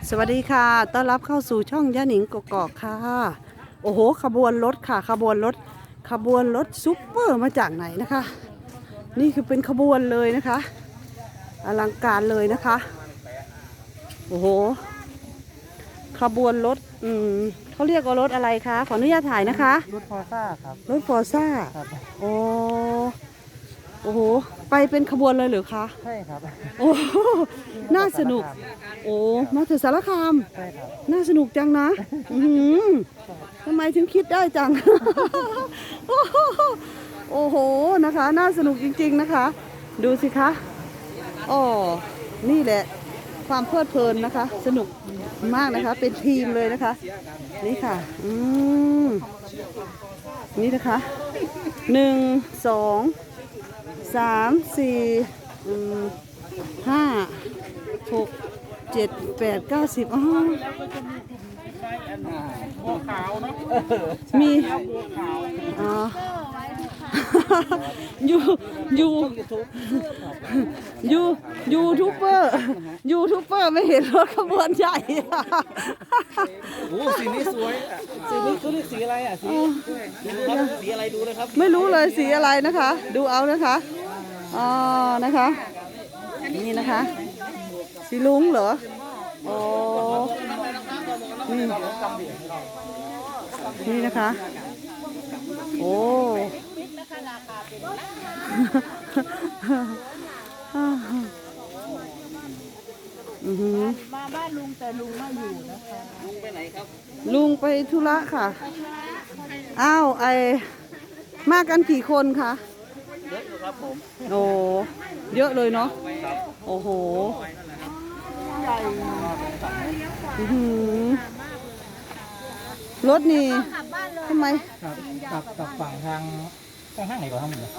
สวัสดีค่ะต้อนรับเข้าสู่ช่องย่าหนิงกกอกค่ะโอ้โหขบวนรถค่ะขบวนรถซุปเปอร์มาจากไหนนะคะนี่คือเป็นขบวนเลยนะคะอลังการเลยนะคะโอ้โหขบวนรถเขาเรียกว่ารถอะไรคะขออนุญาตถ่ายนะคะรถฟอร์ซ่าครับรถฟอร์ซ่าครับโอ้โอ้โหไปเป็นขบวนเลยหรือคะใช่ครับโอ้น่าสนุกโอ้มาถึงสารคามใช่ครับน่าสนุกจังนะทำไมถึงคิดได้จัง โอ้โหนะคะน่าสนุกจริงๆนะคะดูสิคะอ๋อนี่แหละความเพลิดเพลินนะคะสนุกมากนะคะเป็นทีมเลยนะคะนี่ค่ะนี่นะคะ1 2 3 4 5 6 7 8 9 10อ๋อบัวขาวเนาะมีอ๋อยูยูยูยูทูบเบอร์ไม่เห็นรถขบวนใหญ่โอ้สีนี้สวยสีนี้เขาเรียกสีอะไรอ่ะสีอะไรดูเลยครับไม่รู้เลยสีอะไรนะคะดูเอานะคะอ๋อนะคะนี่นะคะสีลุงเหรอโอ้นี่นะคะโอ้มาบ้านลุงแต่ลุงไม่อยู่นะคะลุงไปไหนครับลุงไปธุระค่ะอ้าวมากันกี่คนคะเยอะอยู่ครับผมโอ้เยอะเลยเนาะโอ้โหรถนี่ทำไมกับฝั่งทางห้างไหนก่อนทั้งหมด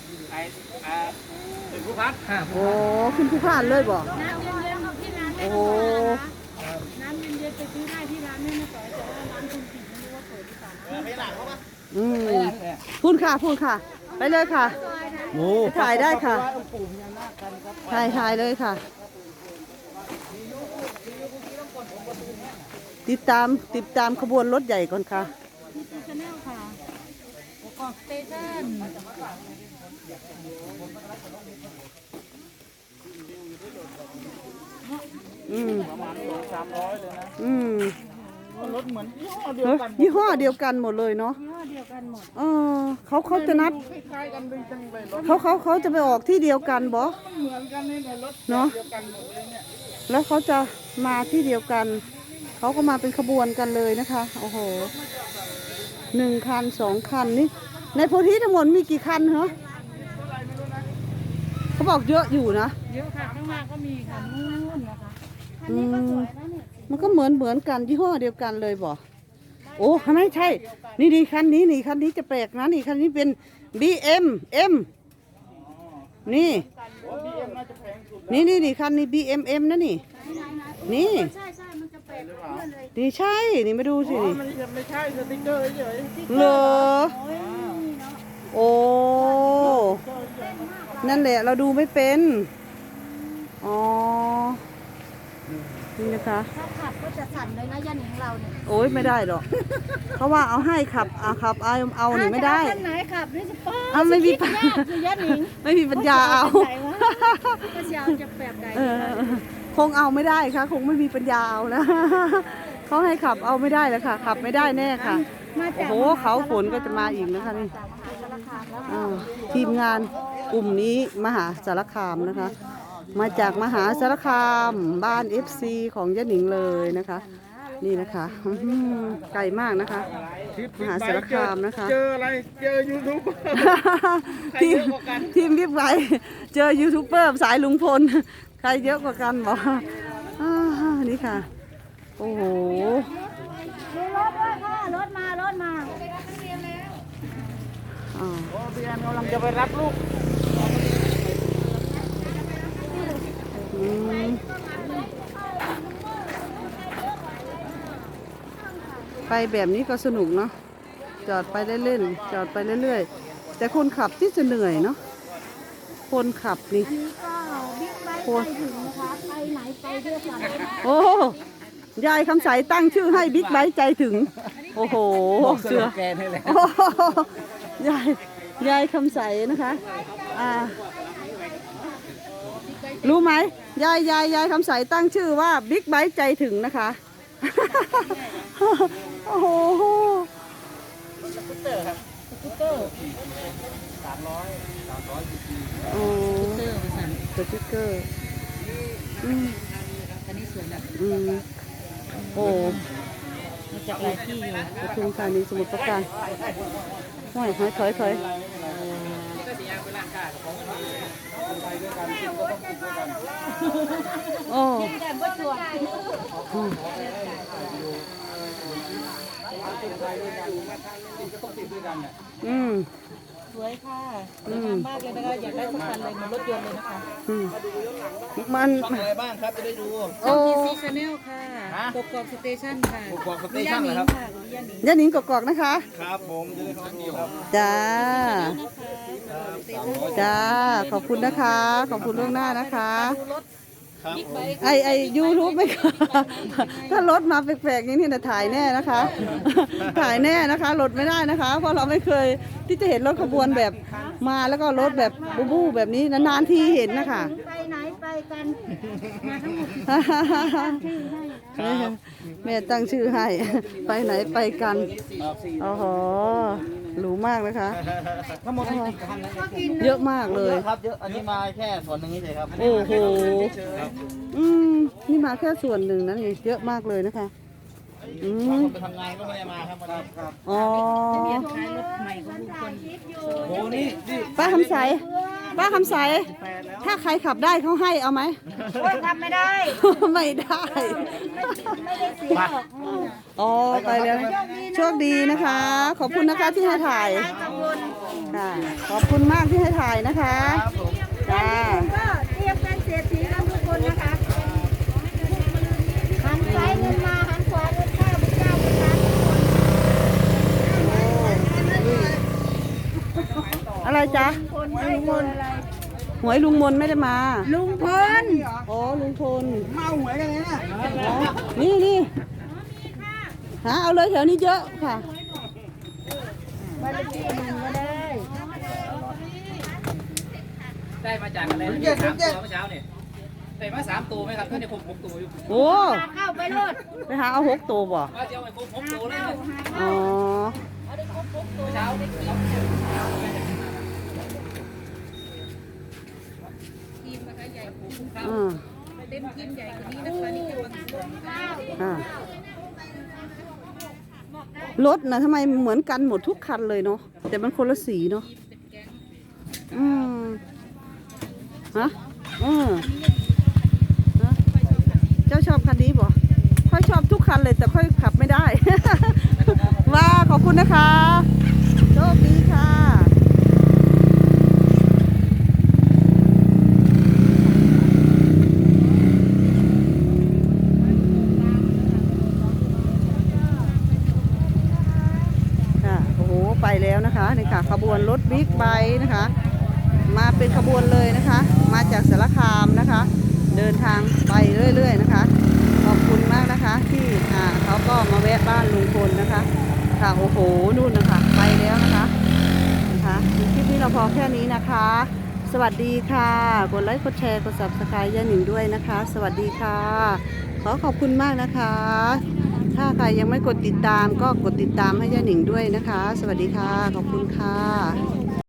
เป็นผู้พัดโอ้ขึ้นผู้ผ่านเลยบอกน้ำเย็นๆของที่ร้านได้ไหมน้ำเย็นๆไปซื้อได้ที่ร้านไม่มาต่อยแต่ว่าร้านคุณผิดไม่รู้ว่าเปิดหรือเปล่าไม่หลังเขาปะพูดค่ะไปเลยค่ะถ่ายได้ค่ะถ่ายเลยค่ะติดตามขบวนรถใหญ่ก่อนค่ะที่ชาแนลค่ะกอกสเตชันประมาณ200-300เลยนะรถเหมือนยี่ห้อเดียวกันหมดเลยเนาะยี่ห้อเดียวกันหมดเขาจะนัดคล้ายกันเลยจังเลยรถเขาจะไปออกที่เดียวกันบอเหมือนกันนี่รถเนาะเดียวกันหมดเลยเนี่ยแล้วเขาจะมาที่เดียวกันเขาก็มาเป็นขบวนกันเลยนะคะโอ้โห1 คัน 2 คันนี่ในโพธิทั้งหมดมีกี่คันเหรอเขาบอกเยอะอยู่นะเยอะค่ะข้างหน้าก็มีค่ะนู่นนะคะอันนี้ก็สวยนะเนี่ยมันก็เหมือนกันยี่ห้อเดียวกันเลยบอกโอ้ไม่ใช่นี่คันนี้จะแปลกนะนี่คันนี้เป็น BMM นี่คันนี้ BMM นะนี่ใช่มันจะแปลกเพื่อนเลยนี่ใช่นี่มาดูสินี่ไม่ใช่สติ๊กเกอร์เฉยเหรอโอ้นั่นแหละเราดูไม่เป็นอ๋อนี่นะคะถ้าขับก็จะสั่นเลยนะย่าหนิงเราเนี่ยโอ้ยไม่ได้หรอกเขาว่าเอาให้ขับเอาหนิไม่ได้ท่านไหนขับนี่จะป้าไม่มีปัญญาย่าหนิงไม่มีปัญญาเอาก็เชียวจะแบบไหนคงเอาไม่ได้ค่ะคงไม่มีปัญญาเอานะเขาให้ขับเอาไม่ได้แล้วค่ะขับไม่ได้แน่ค่ะโอ้โหเขาฝนก็จะมาอีกนะคะนี่ทีมงานกลุ่มนี้มหาสารคามนะคะมาจากมหาสารคามบ้าน FC ของย่าหนิงเลยนะคะนี่นะคะไกลมากนะคะมหาสารคามนะคะเจออะไรเจอยูทูบทีมรีบไปเจอยูทูบเบอร์สายลุงพลใครเยอะกว่ากันบอกนี่ค่ะโอ้โหมีรถด้วยค่ะรถมาเบียนกำลังจะไปรับลูกไปแบบนี้ก็สนุกเนาะจอดไปเล่นๆจอดไปเรื่อยๆแต่คนขับที่จะเหนื่อยเนาะคนขับนี่อันนี้ก็บิ๊กไบค์ไปถึงนะคะไปไหนไปด้วยกันโอ้ยายคำใสตั้งชื่อให้บิ๊กไบค์ใจถึง โอ้โหบอกสเสืโลอแกนให้แล้วโอ้โหยายคำใสนะคะรู้ไหมยายคำใสตั้งชื่อว่าบิ๊กไบค์ใจถึงนะคะ โอ้โหสกูตเตอร์ครับสกูตเตอร์300 cc โอ้เตอร์ไปสั่นสติ๊กเกอร์อืมอันนี้สวยแบบอืมโอ้มาจากหลายที่อยู่ปทุมธานีสมุทรปราการห้อยถอยโอ้อืมสวยค่ะสวยงามมากเลยนะคะอยากได้สักคันเลยเหมือนรถยนต์เลยนะคะอืมมันช่องอะไรบ้างครับจะได้ดูโอ้ทีซีชาแนลค่ะกกอกสเตชันค่ะกกอกสเตชันเหรอครับค่ะคุณย่าหนิงย่าหนิงกอกๆนะคะครับผมจะได้เข้าดูครับจ้า จ้า ขอบคุณนะคะ ขอบคุณล่วงหน้านะคะครับผมไอยูทูบไม่ค่ะถ้ารถมาแปลกๆอย่างนี้นะถ่ายแน่นะคะ ถ่ายแน่นะคะรถไม่ได้นะคะ เพราะเราไม่เคยที่จะเห็นรถขบวนแบบมาแล้วก็รถแบบบูบูแบบนี้นานๆทีเห็นนะคะไปไหนไปกันมาทั้งหมดแม่ตั้งชื่อให้ ไปไหนไปกันครับโอ้โหหรูมากนะคะทั้งหมดนี่กี่คันนะเยอะมากเลเยยอะครับเยอะอันนี้มาแค่ส่วนหนึ่งนี่เลยครับโอ้โห นี่มาแค่ส่วนหนึ่งนะนี่เยอะมากเลยนะคะ อืบางมคนไปทำงานก็ไม่ได้มาครับครับอ๋อท้ายรถใหม่ของลุงพลโอ้นี่ป้าคำใส ป้าคำใส ถ้าใครขับได้เขาให้เอาไหมโอ้ยทำไม่ได้ไม่ได้ไม่ได้เสียหรอกอ๋อไปแล้วนะโชคดีนะคะ ขอบคุณนะคะที่ให้ถ่ายค่ะขอบคุณมากที่ให้ถ่ายนะคะจ้าก็เตรียมเป็นเศรษฐีกันทุกคนนะคะหันซ้ายเงินมาหันขวาเงินเข้าพระเจ้าประทานทุกคนอะไรจ๊ะคนให้เงินอะไรหวยลุงมนไม่ได้มาลุงพลอ๋อลุงพลเมาหวยกันเลยนะอ๋อนี่หาเอาเลยแถวนี้เยอะค่ะบ้านเลขที่หนึ่งก็ได้ได้มาจากอะไรนะ3 ตัวเมื่อเช้าเนี่ยได้มา3 ตัวไหมครับท่านจะครบ6 ตัวอยู่โอ้เข้าไปรถไปหาเอา6 ตัวบ่ว่าจะเอาไปครบ6 ตัวเลยนะอ๋อเมื่อเช้าทีมนะคะใหญ่กว่าอ่าเต็มทีมใหญ่กว่านี้นะคะนี่จะเป็นข้าวอ่ารถนะทำไมเหมือนกันหมดทุกคันเลยเนาะแต่มันคนละสีเนาะอืมฮะฮะเจ้าชอบคันนี้บ่ค่อยชอบทุกคันเลยแต่ค่อยขับไม่ได้ ว่าขอบคุณนะคะโชคดีค่ะค่ะโอ้โหไปแล้วนะคะนี่ค่ะขบวนรถบิ๊กไบค์นะคะ มาเป็นขบวนเลยนะคะ มาจากสารคามนะคะ เดินทางไปเรื่อยๆนะคะ ขอบคุณมากนะคะที่เขาก็มาแวะบ้านลุงพลนะคะ ค่ะโอ้โหนู่นนะคะไปแล้วนะคะคลิปนี้เราพอแค่นี้นะคะ สวัสดีค่ะกดไลค์กดแชร์กด Subscribe ย่าหนิงด้วยนะคะ สวัสดีค่ะขอขอบคุณมากนะคะ ถ้าใครยังไม่กดติดตามก็กดติดตามให้ย่าหนิงด้วยนะคะ สวัสดีค่ะขอบคุณค่ะ